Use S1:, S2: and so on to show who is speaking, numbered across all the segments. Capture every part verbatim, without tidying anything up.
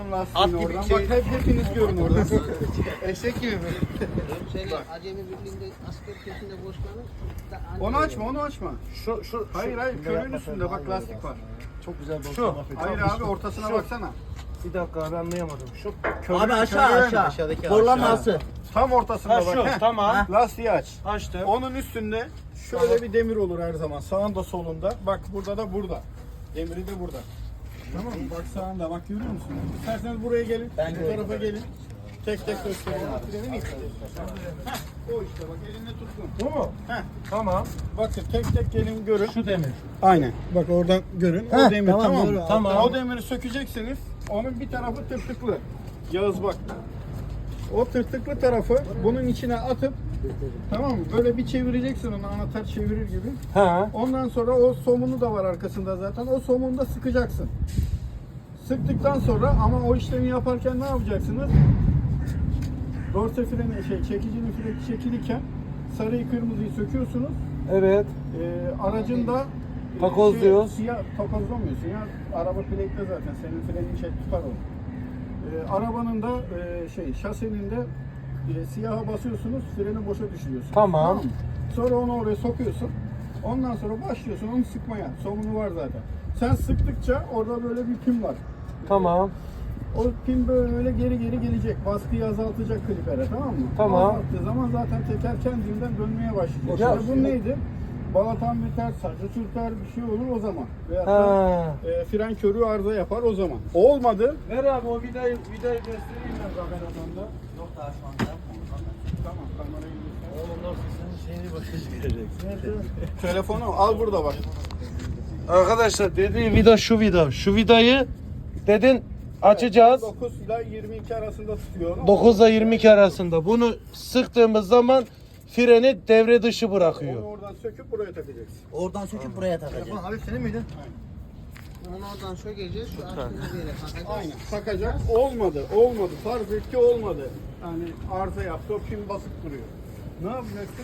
S1: Çıkarın lastiğini
S2: At gibi
S1: oradan.
S2: şey-
S1: Bak hep hepiniz görün oradan. Eşek gibi mi?
S3: Seni acemi birliğinde asker kökünde koşmanın da anne
S1: Onu açma, onu açma.
S2: Şu şu
S1: Hayır hayır, körüğün üstünde bak lastik var.
S4: Çok güzel
S2: Şu.
S4: dostum.
S1: Hayır abi, ortasına
S2: Şu.
S1: baksana.
S2: bir dakika abi anlayamadım. Şu
S1: Körüğün,
S4: Abi aşağı
S1: körüğün.
S4: aşağı.
S2: Aşağıdaki
S4: Borlaması.
S1: Tam ortasında
S2: ha
S1: bak.
S2: şu
S1: Heh.
S2: tamam.
S1: Lastiği aç.
S2: Açtım.
S1: Onun üstünde şöyle bir demir olur her zaman. Sağında solunda. Bak burada da burada. Demiri de burada. Tamam mı? Bak sağında, bak görüyor musun? İsterseniz buraya gelin.
S4: Ben
S1: bu tarafa gelin. Tek tek göstereyim. Freni mi istiyorsun? Heh, o işte bak, elinde tutkun.
S2: Bu mu?
S1: Heh.
S2: Tamam.
S1: Bakın tek tek gelin görün.
S2: Şu demir.
S1: Aynen. Bak oradan görün.
S4: Heh,
S1: o demir
S4: tamam,
S1: tamam,
S4: doğru.
S1: mı?
S2: Tamam.
S1: O demiri sökeceksiniz. Onun bir tarafı tırtıklı. Yağız bak. O tırtıklı tarafı bunun içine atıp, tamam mı? Böyle bir çevireceksin onu, anahtar çevirir gibi.
S2: Ha.
S1: Ondan sonra o somunu da var arkasında zaten. O somunu da sıkacaksın. Sıktıktan sonra ama o işlemi yaparken ne yapacaksınız? Dorse freni, şey, çekicinin freni çekilirken sarıyı kırmızıyı söküyorsunuz.
S2: Evet.
S1: Ee, aracın da e,
S2: Takozluyoruz.
S1: Siyah takozlamıyorsun ya. Araba plakta zaten. Senin frenin şey tutar onu. Ee, arabanın da e, şey şasenin de e, siyaha basıyorsunuz. Freni boşa düşürüyorsun.
S2: Tamam.
S1: mı? Sonra onu oraya sokuyorsun. Ondan sonra başlıyorsun onu sıkmaya. Somunu var zaten. Sen sıktıkça orada böyle bir pin var.
S2: Tamam.
S1: O pin böyle geri geri gelecek. Baskıyı azaltacak klipere, tamam mı?
S2: Tamam.
S1: Azalttığı zaman zaten teker kendinden dönmeye başlayacak.
S2: Ya-
S1: İşte bu neydi? Balatan biter, sacı sürter, bir şey olur o zaman. Veyahut da
S2: Ha.
S1: e, fren körüğü arıza yapar o zaman. Olmadı.
S2: Ver abi o vidayı vidayı göstereyim ben kameradan.
S4: Yok daha şu anda.
S1: Tamam, kamerayı göster.
S4: Oğlum nasıl senin şeyini başa çıkacaksın.
S1: Telefonu al burada bak.
S2: Arkadaşlar dediği vida şu vida. Şu vidayı dedin açacağız.
S1: dokuz ile yirmi iki arasında tutuyor onu.
S2: dokuz ile yirmi iki arasında. Bunu sıktığımız zaman freni devre dışı
S1: Onu
S2: bırakıyor.
S1: oradan söküp buraya takacaksın.
S4: Oradan söküp buraya takacaksın.
S1: Abi senin miydi?
S3: Onu oradan sökeceğiz. Şu açtığımız yere takacağız.
S1: Aynen. Takacak. Olmadı. Olmadı. Farz et ki olmadı. Yani arıza yaptı. O pin basıp duruyor. Ne yapacaksın?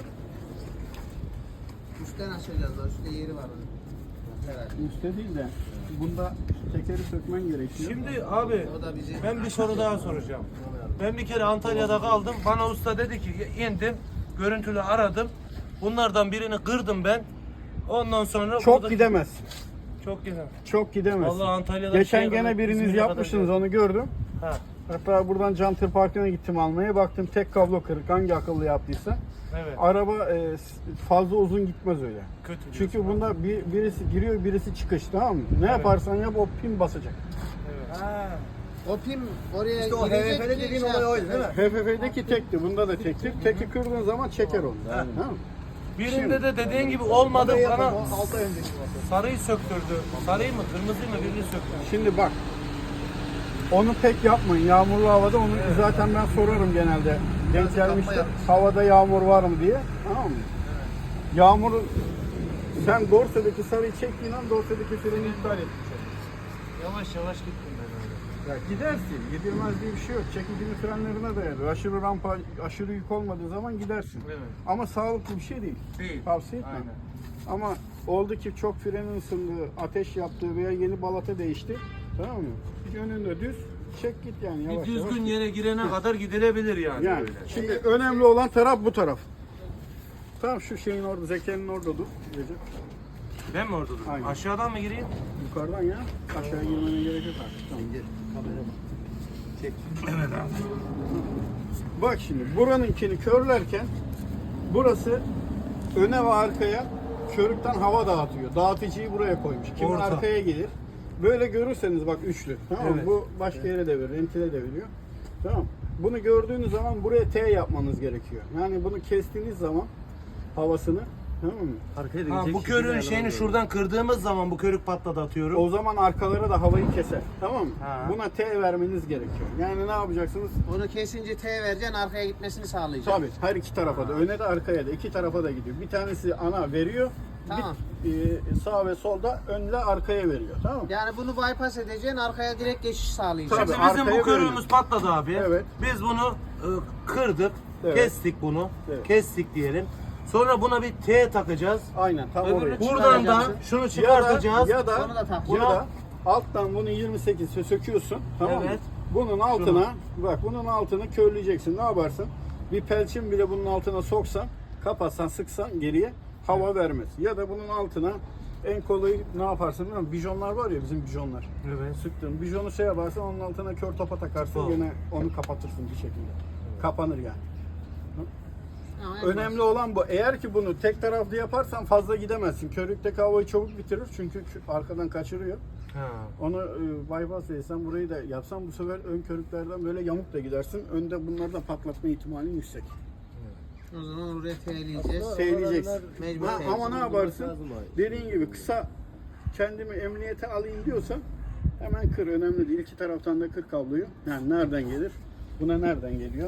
S3: Üstten açacağız da üstte yeri var onun. Herhalde.
S1: Üstte değil de bunda tekeri sökmen gerekiyor.
S2: Şimdi abi
S3: O da bizi
S2: ben bir soru daha soracağım. Ben bir kere Antalya'da kaldım. Bana usta dedi ki indim, görüntülü aradım. Bunlardan birini kırdım ben. Ondan sonra
S1: çok
S2: burada-
S1: gidemezsin.
S2: Çok güzel.
S1: Çok gidemezsin.
S2: Vallahi Antalya'da
S1: Geçen
S2: şeye
S1: gene
S2: kadar,
S1: biriniz
S2: İzmir'e kadar
S1: yapmışsınız,
S2: geldim.
S1: onu gördüm.
S2: Ha.
S1: Hatta buradan Cantır Parkı'na gittim almaya. Baktım tek kablo kırık. Hangi akıllı yaptıysa.
S2: Evet.
S1: Araba e, fazla uzun gitmez öyle.
S2: Kötü.
S1: Çünkü
S2: diyorsun.
S1: bunda bir, birisi giriyor, birisi çıkış, tamam mı? Ne
S2: Evet.
S1: yaparsan yap o pin basacak.
S2: Evet.
S3: Ha. O pin oraya
S4: İşte o
S3: girecek
S4: H V F'de
S3: ki
S4: dediğin
S3: şey
S4: olay oydu
S3: yapacak.
S4: değil mi?
S1: H F F'deki tekti, bunda da tekti. Teki kırdığın zaman çeker onu. Tamam mı?
S2: Birinde de dediğin gibi olmadı
S4: Burayı
S2: bana
S4: yapalım, o altı önceki basın.
S2: sarıyı söktürdü. Sarıyı mı kırmızıyı mı birini söktürdü.
S1: Şimdi bak. Onu pek yapmayın. Yağmurlu havada onu zaten ben sorarım genelde. Denk gelmiştir. Havada yağmur var mı diye. Tamam mı? Yağmur, sen dorsedeki sarıyı çektiğin an dorsedeki freni iptal et.
S2: Yavaş yavaş gittim ben öyle.
S1: Ya gidersin. Gidilmez diye bir şey yok. Çekicinin frenlerine dayanır. Aşırı rampa, aşırı yük olmadığı zaman gidersin.
S2: Evet.
S1: Ama sağlıklı bir şey değil.
S2: Değil.
S1: Tavsiye etmem.
S2: Aynen.
S1: Ama oldu ki çok frenin ısındığı, ateş yaptığı veya yeni balata değişti. Tamam mı? Yönünde düz, çek git yani
S2: Bir
S1: yavaş yavaş.
S2: düzgün yere girene kadar gidilebilir yani,
S1: Yani
S2: öyle.
S1: şimdi önemli olan taraf bu taraf. Tamam, şu şeyin orada, Zeke'nin orada dur. Recep.
S2: Ben mi orada durayım?
S1: Aynen.
S2: Aşağıdan mı gireyim?
S1: Yukarıdan ya. Aşağıya girmene gerek yok artık. Tamam.
S2: Evet abi.
S1: Bak şimdi buranınkini körlerken burası öne ve arkaya körükten hava dağıtıyor. Dağıtıcıyı buraya koymuş. Kimi
S2: Orta.
S1: arkaya gelir. Böyle görürseniz bak üçlü. Tamam mı?
S2: Evet.
S1: Bu başka yere de verir, rentile de veriyor. Tamam. Bunu gördüğünüz zaman buraya T yapmanız gerekiyor. Yani bunu kestiğiniz zaman havasını, tamam mı?
S4: Arkaya da
S2: Ha,
S4: gidecek
S2: bu
S4: şekilde
S2: körüğün
S4: ayarlamak
S2: şeyini
S4: lazım.
S2: şuradan kırdığımız zaman bu körük patladı atıyorum.
S1: O zaman arkalara da havayı keser. Tamam mı?
S2: Ha.
S1: Buna T vermeniz gerekiyor. Yani ne yapacaksınız?
S3: Onu kesince T vereceksin, arkaya gitmesini sağlayacaksın.
S1: Tabii her iki tarafa da, öne de arkaya da, iki tarafa da gidiyor. Bir tanesi ana veriyor,
S3: Tamam.
S1: bir e, sağ ve solda önle arkaya veriyor. Tamam mı?
S3: Yani bunu bypass edeceksin, arkaya direkt geçiş sağlayacaksın.
S1: Tabii.
S2: Şimdi bizim
S1: arkaya
S2: bu körüğümüz
S1: bölünür.
S2: patladı abi.
S1: Evet.
S2: Biz bunu e, kırdık,
S1: Evet.
S2: kestik bunu.
S1: Evet.
S2: Kestik diyelim. Sonra buna bir T takacağız.
S1: Aynen tam
S3: Öbürünü
S1: oraya.
S3: çıkar-
S2: Buradan da
S3: çıkaracaksın.
S2: şunu
S1: Ya da,
S2: çıkartacağız.
S1: ya da,
S3: Onu da tak.
S1: ya da alttan bunu yirmi sekiz söküyorsun. Tamam mı?
S2: Evet.
S1: Bunun altına bak bunun altını körleyeceksin. Ne yaparsın? Bir pelçin bile bunun altına soksan, kapatsan, sıksan geriye hava vermez. Ya da bunun altına en kolayı ne yaparsın biliyor musun? Bijonlar var ya bizim bijonlar.
S2: Evet.
S1: Sıktın. Bijonu şey yaparsın onun altına kör topa takarsın
S2: Topa.
S1: gene onu kapatırsın bir şekilde. Kapanır yani.
S3: Ama en
S1: Önemli olan bu. Eğer ki bunu tek taraflı yaparsan fazla gidemezsin. Körükteki havayı çabuk bitirir çünkü kö- arkadan kaçırıyor.
S2: Ha.
S1: Onu e, bypass etsen burayı da yapsan bu sefer ön körüklerden böyle yamuk da gidersin. Önde bunlardan patlatma ihtimalin yüksek.
S3: O zaman oraya teyleyeceğiz.
S1: Seyleyeceksin.
S3: Mecbur
S1: Ha, ama ne
S3: seyleyeceğiz.
S1: yaparsın? Dediğin gibi kısa kendimi emniyete alayım diyorsan hemen kır. Önemli değil. İki taraftan da kır kabloyu. Yani nereden gelir? Buna nereden geliyor?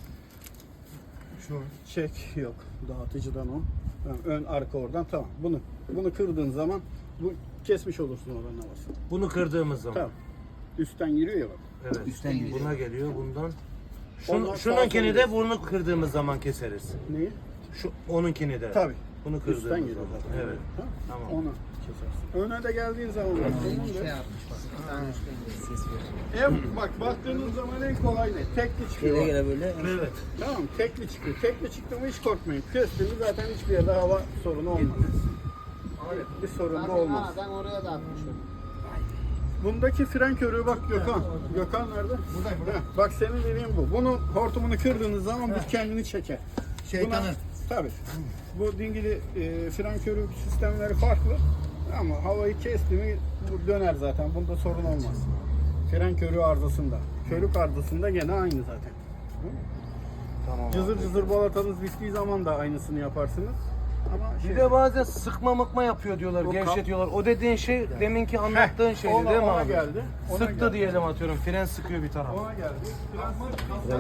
S1: Şu çek yok. Dağıtıcıdan o. Tamam, ön arka oradan tamam. Bunu bunu kırdığın zaman bu kesmiş olursun oranın havasını.
S2: Bunu kırdığımız zaman.
S1: Tamam. Üstten giriyor ya bak.
S2: Evet.
S4: Üstten giriyor.
S2: Buna geliyor bundan.
S1: Ondan
S2: Şun,
S1: sağa
S2: şununkini de
S1: sola
S2: bunu kırdığımız zaman keseriz.
S1: Neyi?
S2: Şu onunkini de.
S1: Tabii.
S2: Bunu kırdığımız
S1: Üstten giriyor
S2: zaman.
S1: zaten.
S2: Evet.
S1: Tamam.
S2: Tamam.
S1: Onu kesersin. Öne de geldiğin zaman bak.
S3: Bir
S1: Bunun
S3: şey
S1: da-
S3: yapmış bak. Bir tane üstten geliyor. Ses veriyor.
S1: En, bak baktığınız zaman en kolay ne? Tekli çıkıyor.
S4: Gele gele böyle.
S2: Evet.
S1: Tamam mı? Tekli çıkıyor. Tekli çıktı mı hiç korkmayın. Kestiğinde zaten hiçbir yerde hava sorunu olmaz. Evet, bir sorun da
S3: Zaten
S1: olmaz.
S3: aradan oraya da atmış o.
S1: Bundaki fren körüğü bak Gökhan. Gökhan nerede? Buradayım. Burada. Bak senin dediğin bu. Bunu hortumunu kırdığınız zaman bu kendini çeker.
S4: Şeytanı.
S1: Tabii. Bu dingili e, fren körük sistemleri farklı. Ama havayı kesti mi bu döner zaten. Bunda sorun olmaz. Fren körüğü arızasında. Körük arızasında gene aynı zaten.
S2: Tamam.
S1: Cızır cızır balatanız bittiği zaman da aynısını yaparsınız. Ama şey,
S2: Bir de bazen sıkma mıkma yapıyor diyorlar,
S1: O kap-
S2: gevşetiyorlar. O dediğin şey deminki anlattığın şeydi
S1: ona-
S2: değil mi
S1: ona
S2: abi?
S1: geldi, ona
S2: Sıktı
S1: geldi.
S2: diyelim atıyorum, fren sıkıyor bir taraf.
S1: ona geldi. Biraz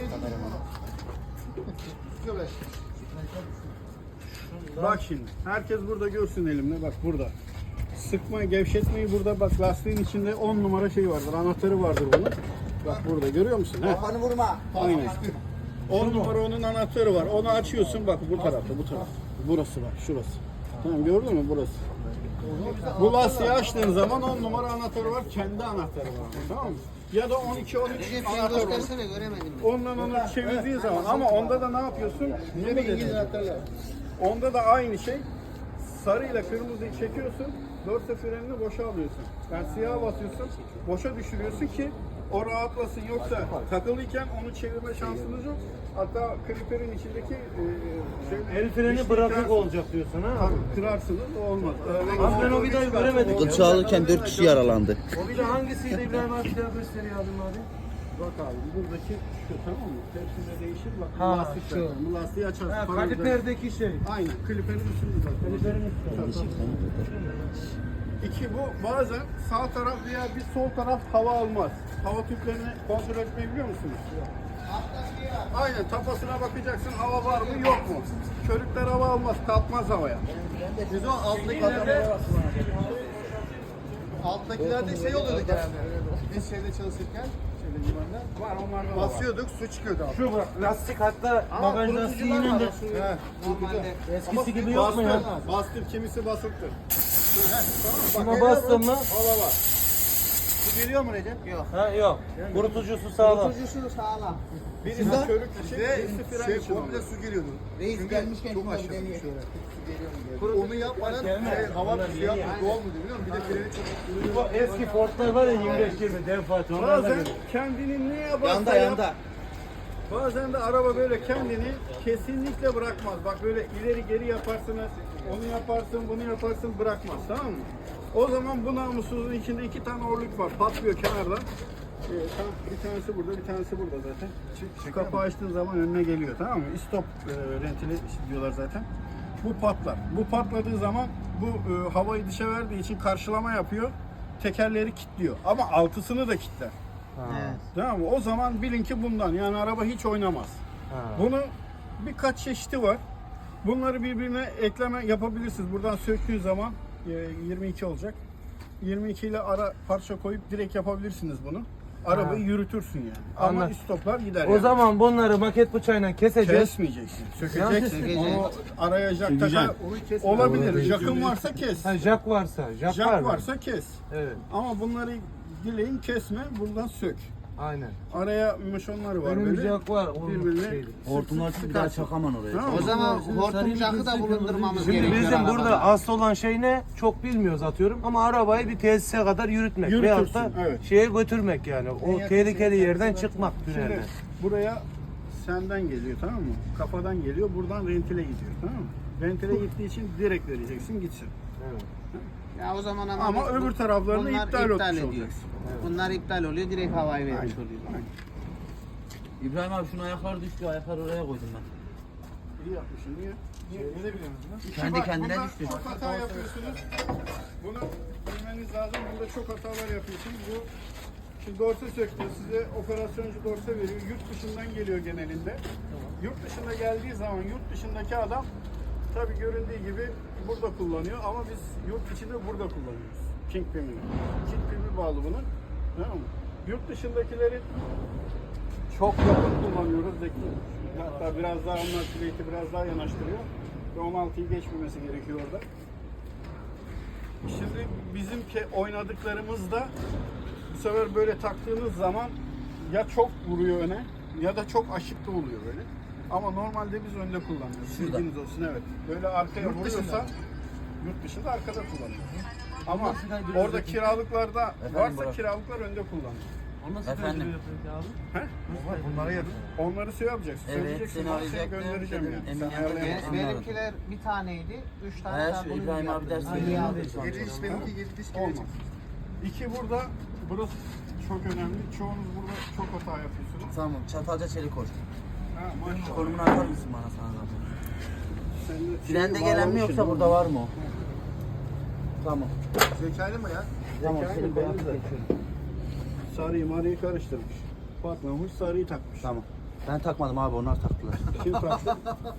S1: bak şimdi. Herkes burada görsün elimde. Bak burada. Sıkma, gevşetmeyi burada bak lastiğin içinde on numara şey vardır. Anahtarı vardır bunun. Bak burada görüyor musun? Heh.
S4: Kafanı vurma.
S1: Aynen. on numara onun anahtarı var. Onu açıyorsun bak bu tarafta, bu tarafta. Burası var, şurası. Tamam gördün mü burası? Bu lastiği açtığın zaman on numara anahtarı var. Kendi anahtarı var. Tamam mı? Ya da on iki on üç
S3: Recep sen
S1: anahtarı var.
S3: göstersene göremedim.
S1: Ondan onu çevirdiği zaman ama onda da ne yapıyorsun? Ne mi İngiliz anahtarlar? Onda da aynı şey. Sarıyla kırmızıyı çekiyorsun. Dorse frenini boşa alıyorsun. Yani siyaha basıyorsun. Boşa düşürüyorsun ki o rahatlasın. Yoksa takılıyken onu çevirme şansınız yok. Hatta kliperin içindeki e, şey,
S2: El freni
S1: dişli
S2: bırakık
S1: kırarsın.
S2: olacak diyorsun ha?
S1: Tabii kırarsınız o olmaz.
S2: Abi ben o vidayı göremedim.
S5: Kılçığı alırken dört kişi yaralandı.
S2: O vida hangisiydi İbrahim abi, bir daha gösteriyor abim abi.
S1: Bak abi buradaki şu tamam mı? Hepsinde değişir bak.
S2: Ha,
S1: Bu lastik
S2: şu.
S1: var. Bu lastiği açarsın.
S2: Ha,
S1: Para güzel.
S2: kaliperdeki şey.
S1: Aynen. Kliperin üstünde zaten.
S2: Kaliperin üstünde.
S1: İki bu bazen sağ taraf veya bir sol taraf hava almaz. Hava tüplerini kontrol etmeyi biliyor musunuz? Aynen tapasına bakacaksın hava var mı yok mu? Körükler hava almaz, kalkmaz havaya.
S4: Biz o alttaki adamlara Alttakilerde şey oluyordu genelde. Biz şeyde çalışırken, şeyde limanda
S1: Var onlarda da var.
S4: basıyorduk, su çıkıyordu alttan.
S2: Şu bak lastik, hatta
S1: Ama
S2: bagaj
S1: kurutucular
S2: lastiğinin
S1: var,
S2: de
S1: o suyu-
S4: He.
S3: Normalde
S2: eskisi gibi yok mu ya?
S1: Bastır, bastır kimisi basıktır.
S2: Şuna
S1: Bak,
S2: bastın mı?
S1: hava var.
S4: Su geliyor mu Recep?
S3: yok.
S2: Ha yok. Kurutucusu sağlam.
S3: Kurutucusu sağlam.
S1: Birisi
S4: Sizden
S1: körük için,
S4: bize
S1: birisi fren
S4: şey
S1: için.
S4: komple
S1: oluyor.
S4: su geliyordu.
S3: Reis
S4: Çünkü
S3: gelmişken
S4: çok
S3: şunları
S4: aşağı
S3: deneyelim.
S4: şöyle. Onu yapmadan şey, hava bir şey yapmıyor. Olmuyor biliyor musun? Bir de freni çok
S2: Bu eski Ford'lar var ya yirmi beş yirmi dev Fatih. onlarla
S1: Bazen
S2: geliyor.
S1: kendini ne yaparsa
S4: Yanda
S1: yap,
S4: yanda.
S1: bazen de araba böyle kendini kesinlikle bırakmaz. Bak böyle ileri geri yaparsınız, onu yaparsın, bunu yaparsın bırakmaz tamam mı? O zaman bu namussuzun içinde iki tane orluk var, patlıyor kenardan. Ee, tam bir tanesi burada, bir tanesi burada zaten. Şu kapağı açtığın zaman önüne geliyor tamam mı? Stop e, rentili diyorlar zaten. Bu patlar. Bu patladığı zaman bu e, havayı dışa verdiği için karşılama yapıyor. Tekerleri kilitliyor. Ama altısını da kilitler.
S3: Evet.
S1: Tamam mı? O zaman bilin ki bundan. Yani araba hiç oynamaz.
S2: Ha.
S1: Bunun birkaç çeşidi var. Bunları birbirine ekleme yapabilirsiniz. Buradan söktüğü zaman e, yirmi iki olacak. yirmi iki ile ara parça koyup direkt yapabilirsiniz bunu. Arabayı yürütürsün yani. Ama
S2: Anladım.
S1: istoplar gider
S2: O
S1: yani.
S2: zaman bunları maket bıçağıyla keseceğiz.
S1: Kesmeyeceksin. Sökeceksin.
S3: Sökeceksin.
S1: Onu araya jak taka olabilir. Jakın varsa kes.
S2: Ha, jack varsa, jack, var
S1: Jak
S2: mı?
S1: varsa kes.
S2: Evet.
S1: Ama bunları dileğin kesme, buradan sök.
S2: Aynen.
S1: Araya mışonları var
S2: Benim
S1: böyle.
S2: jack var. onun
S1: Birbirine
S2: şeydi.
S5: Hortumlar bir daha çakaman oraya.
S1: Tamam.
S3: O zaman hortum jakı da bulundurmamız
S2: Şimdi
S3: gerekiyor.
S2: bizim
S3: arabada.
S2: burada asıl olan şey ne? Çok bilmiyoruz atıyorum ama arabayı bir tesise kadar yürütmek
S1: Yürütürsün,
S2: veyahut da
S1: evet.
S2: şeye götürmek yani. O tehlikeli yerden çıkmak
S1: Şimdi
S2: tünelden.
S1: buraya senden geliyor, tamam mı? Kafadan geliyor, buradan rentile gidiyor, tamam mı? Rentile gittiği için direkt vereceksin, gitsin.
S2: Evet.
S3: Ya o zaman ama,
S1: Ama
S3: bu-
S1: öbür taraflarını
S3: bunlar
S1: iptal etmiş
S3: ediyor.
S1: olacaksın.
S3: Bunlar iptal oluyor, direkt havayı vermiş
S1: Aynen,
S3: oluyor.
S1: aynen.
S5: İbrahim abi şunun ayakları düştü. Ayakları oraya koydum ben.
S1: İyi yapmışsın, niye? Niye, ne biliyorsunuz lan?
S5: Kendi
S1: Bak,
S5: kendine
S1: bunda
S5: düştü.
S1: Çok hata yapıyorsunuz. Bunu bilmeniz lazım. Bunda çok hatalar yapıyorsunuz. Bu şimdi dorse söktü. Size operasyoncu dorse veriyor. Yurt dışından geliyor genelinde. Yurt dışında geldiği zaman yurt dışındaki adam tabii göründüğü gibi burada kullanıyor ama biz yurt içinde burada kullanıyoruz. Kingpin'i. Kingpin'i bağlı bunun. Tamam mı? Yurt dışındakilerin çok yakın kullanıyoruz. Zeki. Hatta biraz daha onlar plate'i biraz daha yanaştırıyor. Ve on altıyı geçmemesi gerekiyor orada. Şimdi bizimki oynadıklarımızda bu sefer böyle taktığınız zaman ya çok vuruyor öne ya da çok aşık da oluyor böyle. Ama normalde biz önde kullanıyoruz.
S5: Şurada.
S1: Bilginiz olsun, evet. Böyle arkaya
S5: Yurt
S1: vuruyorsa
S5: dışında.
S1: yurt dışında arkada kullanıyoruz. Ama orada kiralıklarda
S5: Efendim
S1: varsa
S5: Burak?
S1: kiralıklar önde kullanıyor.
S5: Efendim.
S1: He?
S2: Bunlara yer.
S1: Onları şey yapacaksın.
S5: Evet,
S1: söyleyeceksin.
S5: seni
S1: Ben
S5: arayacaktım.
S1: göndereceğim yani.
S5: Emin
S1: Sen
S5: yanına
S1: ayarlayamazsın.
S3: Benim-
S5: Anladım.
S3: Benimkiler bir taneydi, üç tane
S5: He,
S3: daha
S5: şu
S3: bunun
S5: İbrahim
S3: gibi
S5: abi ders
S3: yaptım.
S5: veriyor.
S3: İyi
S5: Aldı.
S3: aldı.
S4: Yedi diş benimki yedi diş
S1: Olmaz.
S4: gelecek.
S1: İki burada, burası çok önemli. Çoğunuz burada çok hata yapıyorsunuz.
S5: Tamam. Çatalca çelik koş.
S1: Ha, maşallah.
S5: Konumunu atar mısın bana sana zaten?
S1: Sen de
S5: Frende
S1: şeyi
S5: gelen mi
S1: bağlamışsın,
S5: yoksa burada var mı o? Tamam.
S4: Zekaylı mı ya?
S5: Tamam.
S1: Zekalı
S5: Çelik
S1: belli
S5: koy.
S1: zaten. Sarıyı marıyı karıştırmış. Bakmamış, sarıyı takmış.
S5: Tamam. Ben takmadım abi, onlar taktılar.
S1: Kim taktı?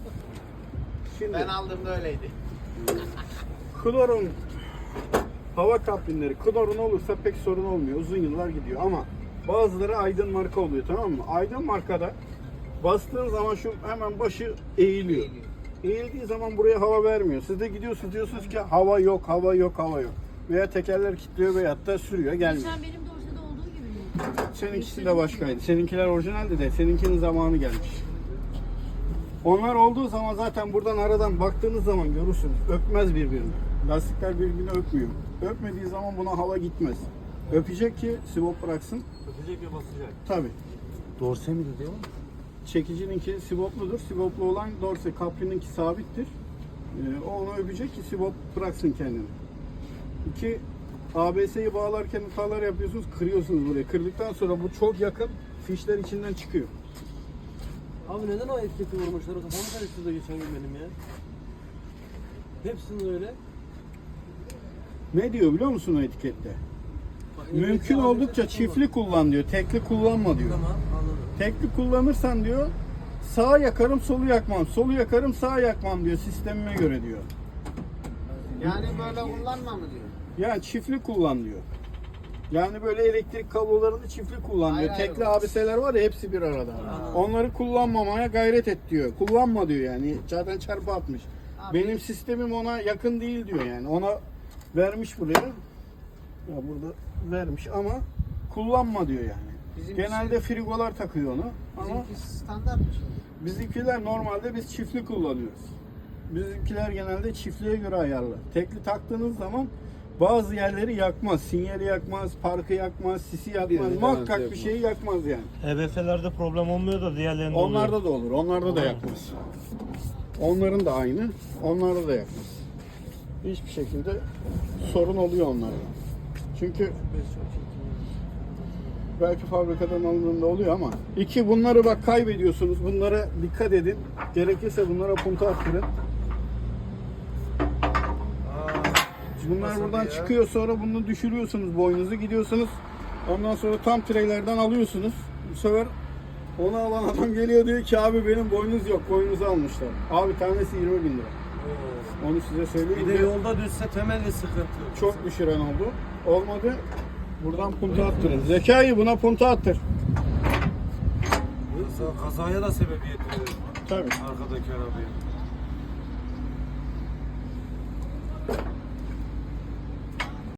S1: Şimdi
S3: Ben aldığımda öyleydi.
S1: klorun hava kaplinleri, klorun olursa pek sorun olmuyor. Uzun yıllar gidiyor ama bazıları Aydın marka oluyor, tamam mı? Aydın markada bastığın zaman şu hemen başı eğiliyor. Eğildiği zaman buraya hava vermiyor. Siz de gidiyorsunuz diyorsunuz ki hava yok, hava yok, hava yok. Veya tekerler kilitliyor veyahut da sürüyor, gelmiyor.
S6: Sen benim dorsada olduğu gibi mi?
S1: Seninkisi de başkaydı. Seninkiler orijinaldi de seninkinin zamanı gelmiş. Onlar olduğu zaman zaten buradan aradan baktığınız zaman görürsünüz. Öpmez birbirini. Lastikler birbirini öpmüyor. Öpmediği zaman buna hava gitmez. Öpecek ki sivop bıraksın.
S2: Öpecek ve basacak.
S1: Tabi.
S5: Dorse mi diyor?
S1: Çekicininki sivopludur. Sivoplu olan dorse, kaprininki sabittir. Ee, o onu öpecek ki sivop bıraksın kendini. İki, A B S'yi bağlarken hatalar yapıyorsunuz, kırıyorsunuz burayı. Kırdıktan sonra bu çok yakın, fişler içinden çıkıyor.
S7: Abi neden o etiketi vurmuşlar? O kafamı karıştırdı geçen gün benim ya. Hepsinin öyle.
S1: Ne diyor biliyor musun o etikette?
S7: Bak,
S1: Mümkün
S7: etiketi
S1: oldukça
S7: aldıysa
S1: çiftli kullan diyor, tekli kullanma diyor.
S7: Tamam anladım.
S1: Tekli kullanırsan diyor, sağa yakarım, solu yakmam, solu yakarım, sağa yakmam diyor, sistemime göre diyor.
S3: Yani böyle kullanma mı diyor?
S1: Yani çiftli kullan diyor. Yani böyle elektrik kablolarını çiftli kullan diyor.
S3: Ayrı ayrı
S1: Tekli
S3: var.
S1: A B S'ler var ya, hepsi bir arada. Onları kullanmamaya gayret et diyor. Kullanma diyor yani. Zaten çarpı atmış.
S3: Abi-
S1: Benim sistemim ona yakın değil diyor yani. Ona vermiş buraya. Ya burada vermiş ama kullanma diyor yani.
S3: Bizimkisi-
S1: Genelde frigolar takıyor onu. Ama
S3: Bizimki standart mı şimdi?
S1: bizimkiler normalde biz çiftli kullanıyoruz. Bizimkiler genelde çiftliğe göre ayarlı. Tekli taktığınız zaman bazı yerleri yakmaz. Sinyali yakmaz, parkı yakmaz, sisi yakmaz. Muhakkak bir şeyi yakmaz yani.
S8: H B S'lerde problem olmuyor da diğerlerinde oluyor.
S1: Onlarda da olur. Onlarda da yakmaz. Onların da aynı. Onlarda da yakmaz. Hiçbir şekilde sorun oluyor onlarda. Çünkü belki fabrikadan alındığında oluyor ama iki, bunları bak kaybediyorsunuz. Bunlara dikkat edin. Gerekirse bunlara punta attırın. Bunlar buradan çıkıyor, sonra bunu düşürüyorsunuz, boynunuzu gidiyorsunuz. Ondan sonra tam treylerden alıyorsunuz. Bu sefer onu alan adam geliyor diyor ki abi benim boynuz yok, boynunuzu almışlar. Abi tanesi yirmi bin lira. Onu size söyleyeyim.
S2: Bir de yolda düşse temelli sıkıntı.
S1: Çok düşüren oldu. Olmadı. Buradan punta attırın. Zekayı buna punta attır.
S2: Kazaya da sebebiyet verir
S1: Tabii.
S2: arkadaki arabaya.